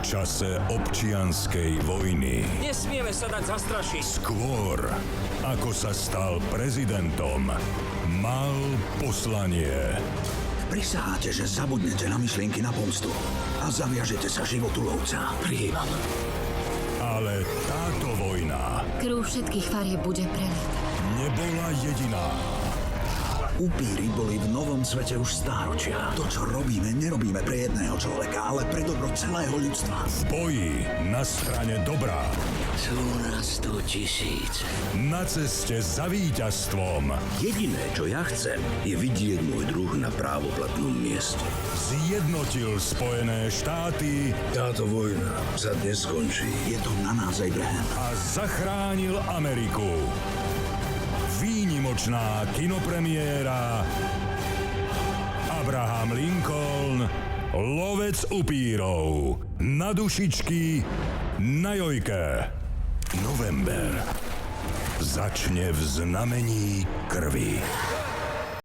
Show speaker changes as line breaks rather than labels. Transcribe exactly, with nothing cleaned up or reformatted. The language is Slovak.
čase občianskej vojny.
Nesmieme sa dať zastrašiť.
Skôr, ako sa stal prezidentom, mal poslanie.
Prisaháte, že zabudnete na myšlienky na pomstu a zaviažete sa životu lovca.
Prijímam.
Ale táto vojna
Krv všetkých farieb bude preliata.
nebola jediná.
Upíry boli v novom svete už stáročia. To, čo robíme, nerobíme pre jedného človeka, ale pre dobro celého ľudstva.
V boji na strane dobrá.
Sú nás tu tisíc.
Na ceste za víťazstvom.
Jediné, čo ja chcem, je vidieť môj druh na právoplatnom mieste.
Zjednotil Spojené štáty
Táto vojna sa dnes skončí. Je to na nás, Abraham.
a zachránil Ameriku. Výnimočná kinopremiéra Abraham Lincoln, lovec upírov. Na dušičky, na jojke. November začne v znamení krvi.